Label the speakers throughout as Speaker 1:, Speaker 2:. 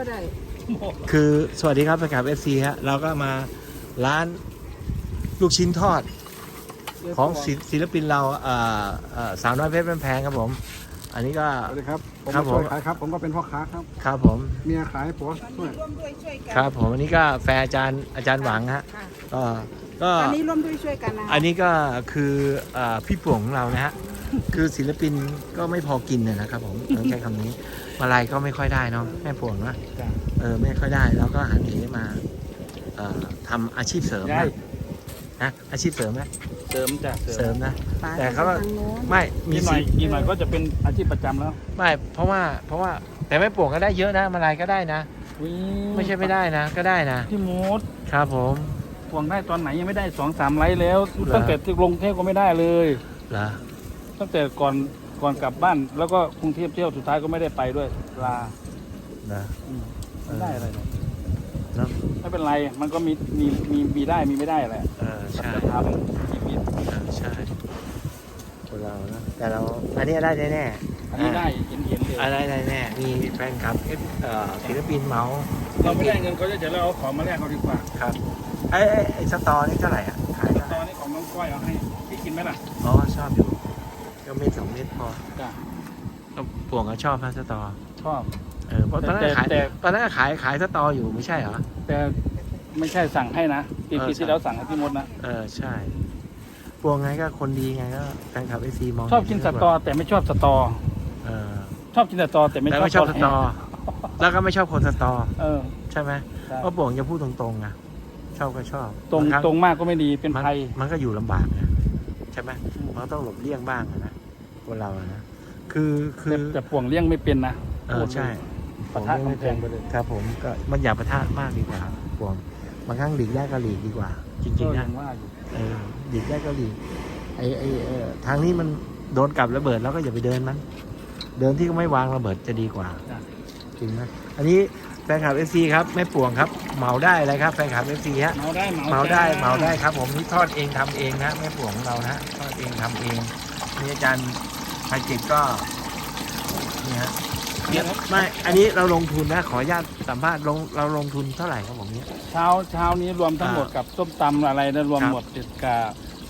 Speaker 1: ได้
Speaker 2: คือสวัสดีครับแฟนคลับFCฮะเราก็มาร้านลูกชิ้นทอดของศิลปินเราสาวน้อยเพชรบ้านแพงครับผมอันนี้ก็
Speaker 3: สวัสดีครับผม
Speaker 2: ครับผม
Speaker 3: ช่วยขายครับผมก็เป็นพ่อค้าครับ
Speaker 2: ครับผม
Speaker 3: เมียขายผัวช่วย
Speaker 1: ร่วมด้วยช่วยกัน
Speaker 2: ครับผมอันนี้ก็แฟนอาจารย์หวังฮะ
Speaker 1: ค่ะ
Speaker 2: ก็
Speaker 1: ตอนนี้ร่วมด้วยช่วยกันนะ
Speaker 2: อันนี้ก็คือพี่ป่วงของเรานะฮะคือศิลปินก็ไม่พอกินนะครับผมต้องใช้คำนี้มาลัยก็ไม่ค่อยได้เนาะแม่ป่วงนะไม่ค่อยได้แล้วก็หันเหมาทำอาชีพเสริมนะอาชีพเสริมไหม
Speaker 4: เสริมจ้ะ
Speaker 2: เสริมนะ
Speaker 1: ป๋า
Speaker 2: แต่เขาก็
Speaker 1: ทางโน้น
Speaker 2: ไม่มี
Speaker 4: อีกหน่อยก็จะเป็นอาชีพประจำแล้ว
Speaker 2: ไม่เพราะว่าแต่แม่ป่วงก็ได้เยอะนะมาลัยก็ได้นะไม่ใช่ไม่ได้นะก็ได้นะ
Speaker 4: พี่มูด
Speaker 2: ครับผม
Speaker 4: ห่วงได้ตอนไหนยังไม่ได้2-3 ไลฟ์แล้ว
Speaker 2: เหรอ
Speaker 4: ตั้งแต่ที่กรุงเทพก็ไม่ได้เลย
Speaker 2: เหรอ
Speaker 4: ตั้งแต่ก่อนกลับบ้าน แล้วก็กรุงเทพเที่ยวสุดท้ายก็ไม่ได้ไปด้วยลา
Speaker 2: เหรอ
Speaker 4: ไม่ได้อะไรเลย
Speaker 2: เนาะ
Speaker 4: ไม่เป็นไรมันก็มีได้มีไม่ได้แหละ
Speaker 2: ใช่
Speaker 4: จะทำชีวิต
Speaker 2: ใช่คนเรานะแต่เราอันนี้ได้แน่ๆ
Speaker 4: อันนี้ได้เห็นเลย
Speaker 2: อะไรแน่มีแฟนคลับศิลปินเมาส์
Speaker 4: เราไม่ได้เงินเขาจะเดี๋ยวเราเอาของมาแลกเขาดีกว่า
Speaker 2: ครับไอ้สตอนี่เท่าไหร่อ่ะขาย
Speaker 4: ต
Speaker 2: เท่าไหร่
Speaker 4: อนนี้ของน้องก้อยเอาให้พี่กินไหมล่ะ
Speaker 2: อ๋อชอบอยู่ก็เม็ด2 เม็ดพอ
Speaker 4: จ้ะ
Speaker 2: ก็ป่วงก็ชอบนะสตอ
Speaker 4: ชอบ
Speaker 2: เพราะตอนนั้นก็ขาย
Speaker 4: แต่
Speaker 2: ตอนนั้นก็ขายสตออยู่ไม่ใช่เหรอ
Speaker 4: แต่ไม่ใช่สั่งให้นะปีที่แล้วสั่งให้พี่มดนะ
Speaker 2: ใช่ป่วงไงก็คนดีไงก็แฟนคลับไอซีมอง
Speaker 4: ชอบกินสตอแต่ไม่ชอบสตอ
Speaker 2: เออ
Speaker 4: ชอบกินสตอแต่ไม่
Speaker 2: แต่
Speaker 4: ชอบ
Speaker 2: ไม่ชอบสตอ แล้วก็ไม่ชอบคนสตอ
Speaker 4: เออ
Speaker 2: ใช่ไหม
Speaker 4: ใช่
Speaker 2: เพราะป่วงจะพูดตรงๆนะชอบก็ชอบ
Speaker 4: ตรง
Speaker 2: บาครั้
Speaker 4: ตรงมากก็ไม่ดีเป็นภัย
Speaker 2: มันก็อยู่ลำบากนะใช่ไหมมันก็ต้องหลบเลี่ยงบ้างนะคนเราอะนะคือ
Speaker 4: แต่ป่วงเลี้ยงไม่เป็นนะ
Speaker 2: ใช่
Speaker 4: ปะทะกำแพงไปเลย
Speaker 2: ครับผมก็มันอย่าปะทะมากดีกว่าป่วงบางครั้งหลีกได้ก็หลีกดีกว่า จริงๆ
Speaker 4: ยั
Speaker 2: นะ
Speaker 4: งว่าอยู่
Speaker 2: หลีกได้ก็หลีกทางนี้มันโดนกับระเบิดแล้วก็อย่าไปเดินมันเดินที่ก็ไม่วางระเบิดจะดีกว่าจริงไหมอันนี้แฟนคลับ FC ครับแม่ป่วงครับเหมาได้เลยครับแฟนคลับ FC ฮะ
Speaker 4: เมาได้
Speaker 2: เหมาได้ครับผมนี่ทอดเองทำเองนะแม่ป่วงของเรานะทอดเองทำเองนี่อาจารย์ภัยจิตก็นี่ฮะไม่อันนี้เราลงทุนนะขออนุญาตสัมภาษณ์เราลงทุนเท่าไหร่ครับผมเนี่ย
Speaker 4: เช้านี้รวมทั้งหมดกับส้มตำอะไรนะรวมหมดติดกับ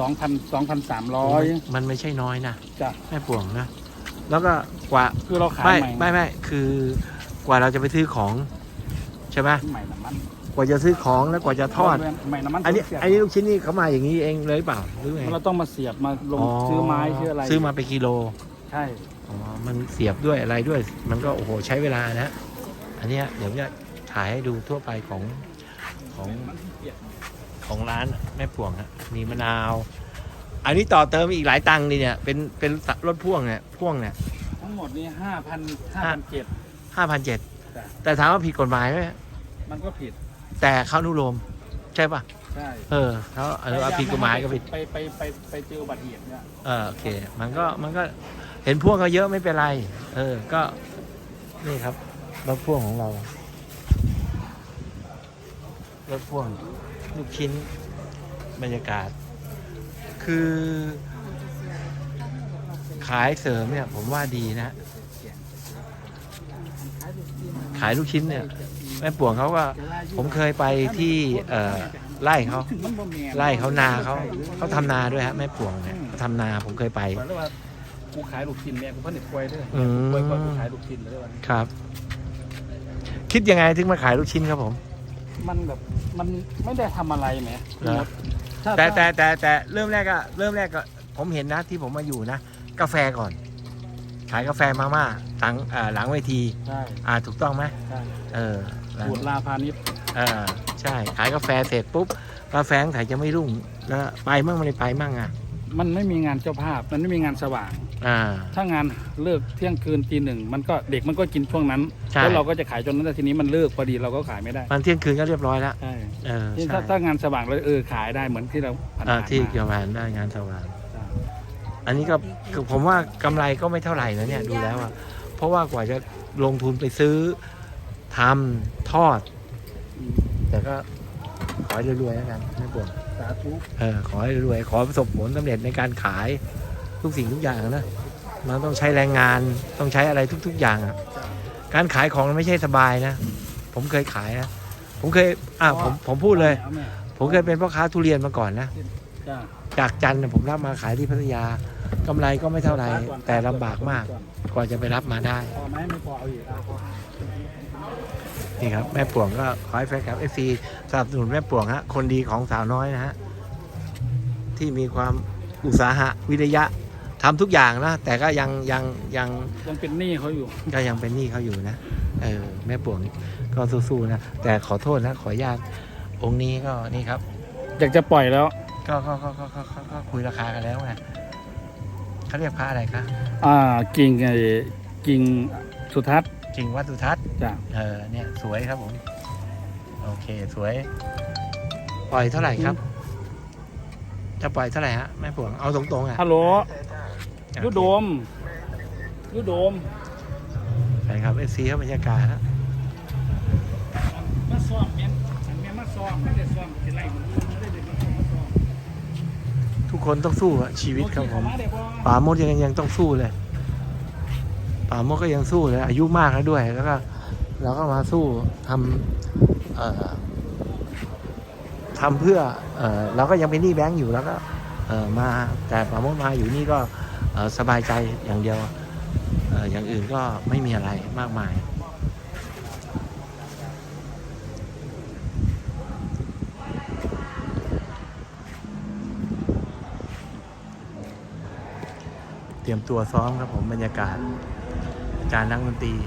Speaker 4: 2,300
Speaker 2: มันไม่ใช่น้อยนะ
Speaker 4: จ้ะ
Speaker 2: แม่ป่วงนะแล้วก็กว่า
Speaker 4: คือเราขาย
Speaker 2: ไม่คือกว่าเราจะไปซื้อของใช่ไหม
Speaker 4: ใหม่น้ำมัน
Speaker 2: กว่าจะซื้อของแล้วกว่าจะทอด
Speaker 4: ใหม่น้ำมัน
Speaker 2: อันนี้
Speaker 4: เสียบ
Speaker 2: ลูกชิ้นนี่เขามาอย่างนี้เองเลยเปล่าหรือไง
Speaker 4: เราต้องมาเสียบมาลงซื้อไม้ซื้ออะไร
Speaker 2: ซื้อมาเป็นกิโล
Speaker 4: ใช่
Speaker 2: อ๋อมันเสียบด้วยอะไรด้วย มันก็โอ้โหใช้เวลานะอันเนี้ยเดี๋ยวจะถ่ายให้ดูทั่วไปของร้านแม่ป่วงฮะมีมะนาวอันนี้ต่อเติมอีกหลายตังค์นี่เนี่ยเป็นรถพ่วงเนี่ย
Speaker 4: ทั้งหมดนี้5,700
Speaker 2: 5,700แต่ถามว่าผิดกฎหมายไหม
Speaker 4: มันก็ผิด
Speaker 2: แต่เขาอนุโลมใช่ป่ะ
Speaker 4: ใช่
Speaker 2: เขาผิดกฎหมายก็ผิด
Speaker 4: ไปเจออุบัติเหตุเนี่ย
Speaker 2: โอเคมันก็เห็นพ่วงเขาเยอะไม่เป็นไรก็นี่ครับรถพ่วงของเรารถพ่วงลูกชิ้นบรรยากาศคือขายเสริมเนี่ยผมว่าดีนะขายลูกชิ้นเนี่ยแม่ป่วงเขาก็ผมเคยไปที่ไร่เขานาเขาทำนาด้วยฮะแม่ป่วงเนี่ยทำนาผมเคยไป
Speaker 4: บอกเลยว่ากูขายลูกชิ้นเนี่ยกูผลิตกล้วยด้วย
Speaker 2: อืม
Speaker 4: กล้วยกูขายลูกชิ้นเลยวันนี้
Speaker 2: ครับ คิดยังไงถึงมาขายลูกชิ้นครับผม
Speaker 4: มันแบบมันไม่ได้ทำอะไรแหม
Speaker 2: เหรอ แต่เริ่มแรกก็ผมเห็นนะที่ผมมาอยู่นะกาแฟก่อน ขายกาแฟมาม่าหลังเวที
Speaker 4: ใช่
Speaker 2: ถูกต้องไหม
Speaker 4: ใช่
Speaker 2: หลัง
Speaker 4: บูดลาพาณิชย์
Speaker 2: ใช่ขายกาแฟเสร็จปุ๊บกาแฟขายจะไม่รุ่งแล้วไปมั่งไม่ได้ไปมั่ง
Speaker 4: มันไม่มีงานเจ้าภาพมันไม่มีงานสว่าง ถ้างานเลิกเที่ยงคืนตี 1มันก็เด็กมันก็กินช่วงนั้น
Speaker 2: ใช่
Speaker 4: แล้วเราก็จะขายจนนั้นแต่ทีนี้มันเลิกพอดีเราก็ขายไม่ได้
Speaker 2: มันเที่ยงคืนก็เรียบร้อยแล้ว
Speaker 4: ใช่
Speaker 2: ใช่
Speaker 4: ถ้างานสว่างเราขายได้เหมือนที่เราผ่านๆ
Speaker 2: ที่
Speaker 4: มา
Speaker 2: เกี่ยวกับได้งานสว่างอันนี้ก็คือผมว่ากำไรก็ไม่เท่าไหร่นะเนี่ยดูแล้วเพราะว่ากว่าจะลงทุนไปซื้อทำทอด แต่ก็ขอให้รวยๆแล้วกันไม่ปวด
Speaker 4: สาธุ
Speaker 2: ขอให้รวยขอประสบผลสำเร็จในการขายทุกสิ่งทุกอย่างนะมันต้องใช้แรงงานต้องใช้อะไรทุกๆอย่างการขายของมันไม่ใช่สบายนะผมเคยขายนะผมเคยผมพูดเลย
Speaker 4: อาแม่
Speaker 2: ผมเคยเป็นพ่อค้าทุเรียนมาก่อนนะ
Speaker 4: จ้า
Speaker 2: จากจันทร์ผมรับมาขายที่พัทยากำไรก็ไม่เท่าไหร่แต่ลำบากมากกว่าจะไปรับมาได้
Speaker 4: พอไหมไม่พอเอาอีกเอาพอ
Speaker 2: นี่ครับแม่ป่วงก็ขอให้แฟนคลับเอฟซีสนับสนุนแม่ป่วงฮะคนดีของสาวน้อยนะฮะที่มีความอุตสาหะวิริยะทำทุกอย่างนะแต่ก็ยัง
Speaker 4: เป็นหนี้เขาอยู่
Speaker 2: ก็ยังเป็นหนี้เขาอยู่นะแม่ป่วงก็สู้ๆนะแต่ขอโทษนะขออนุญาตองค์นี้ก็นี่ครับ
Speaker 4: อยากจะปล่อยแล้ว
Speaker 2: ก็คุยราคากันแล้วไงเขาเรียกพระอะไรคะ
Speaker 4: กิ่งสุทัศน์
Speaker 2: จริงวัดสุทัศน์
Speaker 4: จ้า
Speaker 2: เนี่ยสวยครับผมโอเคสวยปล่อยเท่าไหร่ครับ จะปล่อยเท่าไหร่ฮะแม่ป่วงเอาตรงๆอ่ะ
Speaker 4: ฮัลโหลยุโดม
Speaker 2: ใช่ครับเอซีเขาบรรยากาศนะ
Speaker 4: มาซ้อมแม่มาซ้อมไม่ได้ซ้อมเป็นไรไม่ได้เด็กมาซ้อม
Speaker 2: ทุกคนต้องสู้อะชีวิตครับผมป่าโมดยังต้องสู้เลยป่าโมดก็ยังสู้เลยอายุมากแล้วด้วยแล้วก็เราก็มาสู้ทำเพื่อเราก็ยังเป็นหนี้แบงก์อยู่แล้วก็มาแต่ป่าโมดมาอยู่นี่ก็สบายใจอย่างเดียวอย่างอื่นก็ไม่มีอะไรมากมายเตรียมตัวซ้อมครับผมบรรยากาศอาจารย์นักดนตรี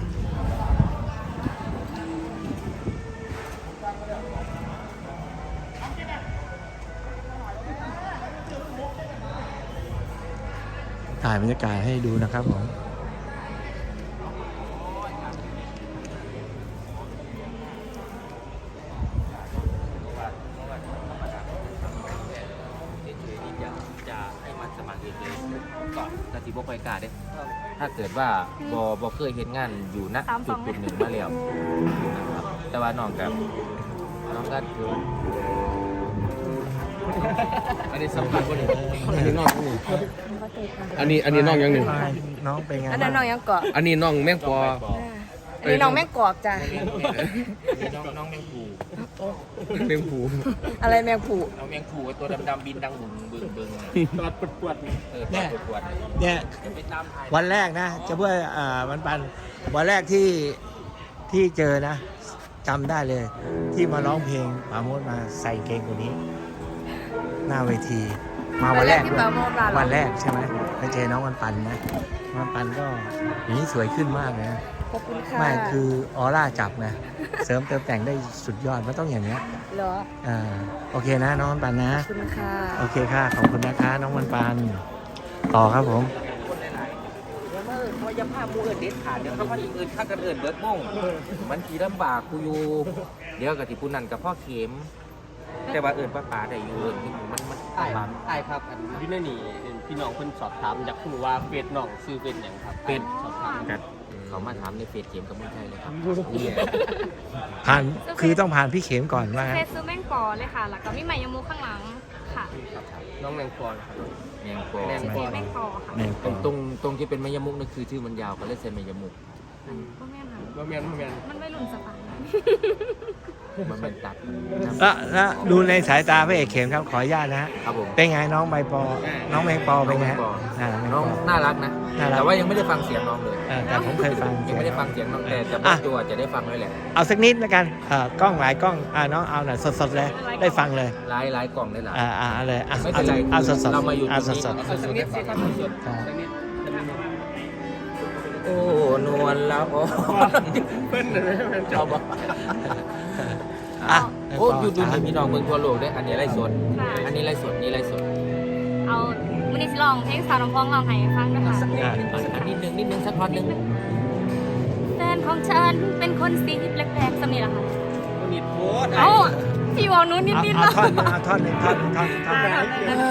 Speaker 2: ถ่ายบรรยากาศให้ดูนะครับผม
Speaker 5: จะให้มันสมัครเองเลยก็กติบกไปกาได้ถ้าเกิดว่าบอเคยเห็นงานอยู่ณจุดหนึ่งมาแล้วนะครับแต่ว่าน้องก็คืออันนี้สำคัญกว่านี้อันนี้น้องนี่อันนี้น้องยังหนึ่ง
Speaker 2: น้องเป็นไง
Speaker 1: อันนั้นน้องยังเกาะ
Speaker 5: อันนี้น้องแมงปอ
Speaker 1: อันนี้น้องแม่งกอกจ้ะ
Speaker 5: น้องแมงผู
Speaker 3: เต็มผู
Speaker 1: อะไรแมงผู
Speaker 5: น้องแมงผูตัวดำๆบินดังบึง
Speaker 4: ตลอดปวด
Speaker 2: เนี่ย
Speaker 5: ปวด
Speaker 2: เนี่ย
Speaker 5: ไปตามถ่าย
Speaker 2: วันแรกนะจะเพื่อปันวันแรกที่เจอนะจำได้เลย ที่มาร้องเพลงปราโมทมาใส่เกงตัวนี้ หน้าเวทีมาวันแรก
Speaker 1: ที่
Speaker 2: ด้วย
Speaker 1: ปราโมทมา
Speaker 2: วันแรกใช่ไหมไปเจอน้องวันปันนะวันปันก็อย่างนี้สวยขึ้นมากเลยนะ
Speaker 1: ขอบคุณค่ะ
Speaker 2: ไม่คือออร่าจับนะเสริมเติมแต่งได้สุดยอดมันต้องอย่างเนี้ย
Speaker 1: เหรอ
Speaker 2: โอเคนะน้องวันปันนะ
Speaker 1: ขอบคุณค่ะ
Speaker 2: โอเคค่ะขอบคุณนะคะน้องวันปันต่อครับผม
Speaker 5: เขาจะพามูเอิญเด็ดขาดเดี๋ยวเขาพาอื่นข้ากันเอิญเบิร์ดม่งมันขี่ลำบากกูอยู่เดี๋ยวกับที่ผู้นั่นกับพ่อเข็มแต่ว่าเอิญป้าได้อยู่เอิญมัน
Speaker 6: ใช่ครับอันที่นั่นนี่พี่น้องเพิ่นสอบถามอยากรู้ว่าเฟซน้องซื้อเป็นอย่างครับ
Speaker 5: เป็น
Speaker 6: สอบถาม
Speaker 5: กันเขามาถามในเฟซเกมกับมึงไทยเลยครับนี่
Speaker 2: ผ่านคือต้องผ่านพี่เข็มก่อนว่างั้น
Speaker 7: เฟซซื้อแม่งปอเลยค่ะ แล้วก็มีใหม่ยมูข้างหลังค่ะ
Speaker 6: น้องแมงปอนครับ
Speaker 5: แมงปอ
Speaker 6: แมงปอ
Speaker 7: แม่งปอค่ะ
Speaker 2: แม่ง
Speaker 5: ตรงที่เป็นมายมุกนั่นคือชื่อมันยาวก็เลยใส่มายมุก
Speaker 7: ก็แม่นค่ะ
Speaker 6: บ่แม่น
Speaker 7: มันไม่หลุนสปาย
Speaker 5: มันเป็นตัด
Speaker 2: แล้วดูในสายตาพระเอกเข็มครับขออนุญาตนะฮะ
Speaker 5: ครับผม
Speaker 2: เป็นไงน้องใบปอ น้องแมงปอเป็นไงฮะแมง
Speaker 5: น้อง
Speaker 2: ปอ
Speaker 5: น่ารักนะ
Speaker 2: น่ารัก
Speaker 5: แต่ว่ายังไม่ได้ฟังเสียงน้องเลย
Speaker 2: แต่ผมเคยฟัง
Speaker 5: ยังไม่ได้ฟังเสียงน้องแต่บางตัวจะได้ฟังด้วยแหละ
Speaker 2: เอาสักนิดแล้วกันกล้องหลายกล้องน้องเอาหน่อยสดๆเลยได้ฟังเลย
Speaker 5: หลายกล่องได้หลาย
Speaker 2: เอาเลย
Speaker 5: ไม่เป็นไร
Speaker 2: เอาสดๆ
Speaker 5: เรามาอยู่ต
Speaker 2: เอา
Speaker 5: รงนี้
Speaker 2: สด
Speaker 6: สักนิดสิครับสด
Speaker 2: ๆครับ
Speaker 6: สักนิด
Speaker 5: โอ้นวลละโอ้
Speaker 6: เพิ่นน่ะแม่น
Speaker 5: ชอบปะ
Speaker 2: อ่ะ
Speaker 5: โอ้อยู่ดูนี่มีน้องเมืองทั่วโลกด้วยอันนี้ไล่สดอันนี้ไล่สดนี่ไล่สด
Speaker 7: เอาวันนี้สิลองเพลงสาวน้ำพองลองให้ฟังด้วยค่ะ
Speaker 5: อันนิดนึงสักท่อนนึง
Speaker 7: แฟนของฉันเป็นคนสีแปลกๆสำนีละค่ะ
Speaker 6: นิดโพด
Speaker 7: เอ้าพี่วอลนู้นนิดๆ
Speaker 2: เอา
Speaker 7: แล้ว
Speaker 2: ท่อนหนึ่งท่อนหนึ่ง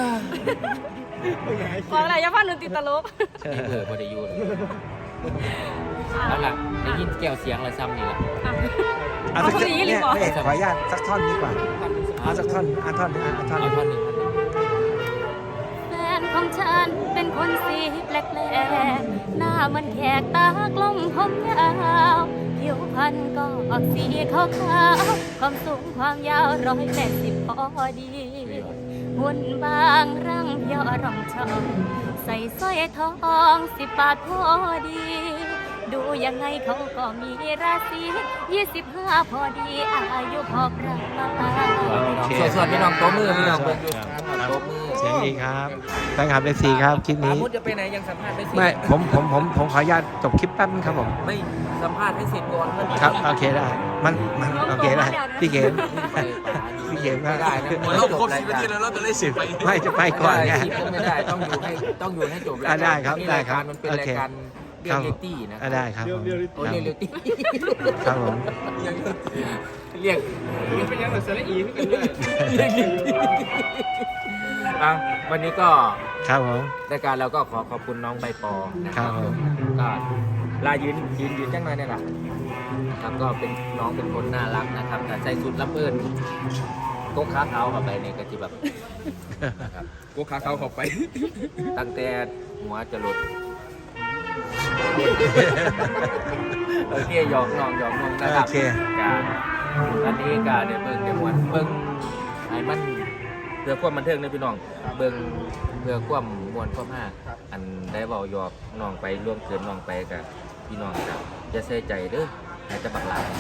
Speaker 7: บอกอะไรอย่าฟังหนูติดตลก
Speaker 5: พอได้ยูเลยเอาล่ะได้ยินแก้วเสียงอะไรซ้ำนี่ละ
Speaker 2: เอาสักท่อนเนี่ยพระเอกขออนุญาตสักท่อนดีกว่าเอาสักท่อนท่อน
Speaker 5: เอาท่อนหนึ่ง
Speaker 7: แฟนของฉันเป็นคนสีแปลกๆหน้ามันแขกตากลมผมยาวผิวพรรณก็ออกสีขาวๆความสูงความยาว180พอดีหุ่นบางร่างเพียวร่องช่องใส่สร้อยทอง10 บาทพอดี ดูยังไงเขาก็มีราศี25พอดีอายุพอประ
Speaker 2: โอเค
Speaker 5: ส่วนพี่น้องโต๊ะมือพี่น้องเบิ่งอยู่
Speaker 2: ครับ
Speaker 5: โต๊ะมือ
Speaker 2: เสียงดีครับแฟนคลับ FC ครับคลิปนี้
Speaker 5: มุดจะไปไหนยังสัมภาษณ์ไม่เสร็จ
Speaker 2: ไม่ผมขออนุญาตจบคลิปแป๊บนึงครับผม
Speaker 5: ไม่สัมภาษณ์ให้เสร็จก่อน
Speaker 2: ครับโอเคได้มันโอเคได้พี่เกม พี่เกมก็
Speaker 5: ไม่ได้นะ
Speaker 3: เราครบ10 นาทีแล้วเราจะได้10 ไป
Speaker 2: ไม่จะไปก่อนไง
Speaker 5: ไม่ได้ต้องอยู่ให้จบ
Speaker 2: อ่ะได้ครับ
Speaker 5: นี่
Speaker 2: ได้
Speaker 5: ราย
Speaker 2: ครั
Speaker 5: กา
Speaker 2: บ
Speaker 5: รมันเป็น
Speaker 2: โอ
Speaker 5: ราย
Speaker 2: เค
Speaker 5: การเรียลลิตี้นะ
Speaker 2: อ่ะได้ครับผม
Speaker 5: โอ้เรียลลิตี้
Speaker 2: ครับผม
Speaker 5: เรียก
Speaker 6: เป็นยังไงสระอีไม่กันด้วย
Speaker 5: อ่ะวันนี้ก็
Speaker 2: ครับผม
Speaker 5: รายการเราก็ขอขอบคุณน้องใบปอนะค
Speaker 2: ครั
Speaker 5: รั
Speaker 2: บบ ผม
Speaker 5: ก็ลายืนจังเลยเนี่ยแหละครับก็เป็นน้องเป็นคนน่ารักนะครับแต่ใส่สุดรับเอิญโก๊กขาเขาเข้าไปในกะทิแบบนะครับ
Speaker 3: กูขาเขาเข้าไป
Speaker 5: ตั้งแต่หัวจะหลุดโอเคหยอกน้องนะครับ
Speaker 2: โอเค
Speaker 5: การอันนี้การเนี่ยเบิ่งเดี๋ยวมันเบิ่งให้มันเพื่อความบันเทิงนะพี่น้องเบิ่งเพื่อความมวลความห้าอันได้เบาหยอกน้องไปร่วมเกินน้องไปกับพี่น้องกับอย่าเสียใจเด้อให้จะบักหลาย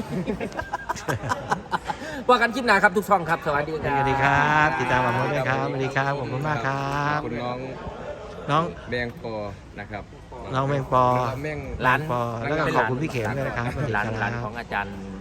Speaker 5: ว่ากันคลิปหน้าครับทุกช่องครับสวัสดีค
Speaker 2: ส
Speaker 5: รับ
Speaker 2: วัสดีครับติดตามผมด้วยครับสวัสดีครับขอบคุณมากครั
Speaker 3: ข
Speaker 2: บ
Speaker 3: อบคุณน้อง
Speaker 2: น้อง
Speaker 3: แบงปอนะครับ
Speaker 2: น้องแมงปอ
Speaker 3: แมง
Speaker 5: ร้าน
Speaker 2: ปอแล้วก็ขอบคุณพี่เข็มด้วยนะครับสวัสดี
Speaker 5: ร้าน
Speaker 2: ค
Speaker 5: ร้า
Speaker 2: รั
Speaker 5: น
Speaker 2: บ
Speaker 5: ของอาจารย์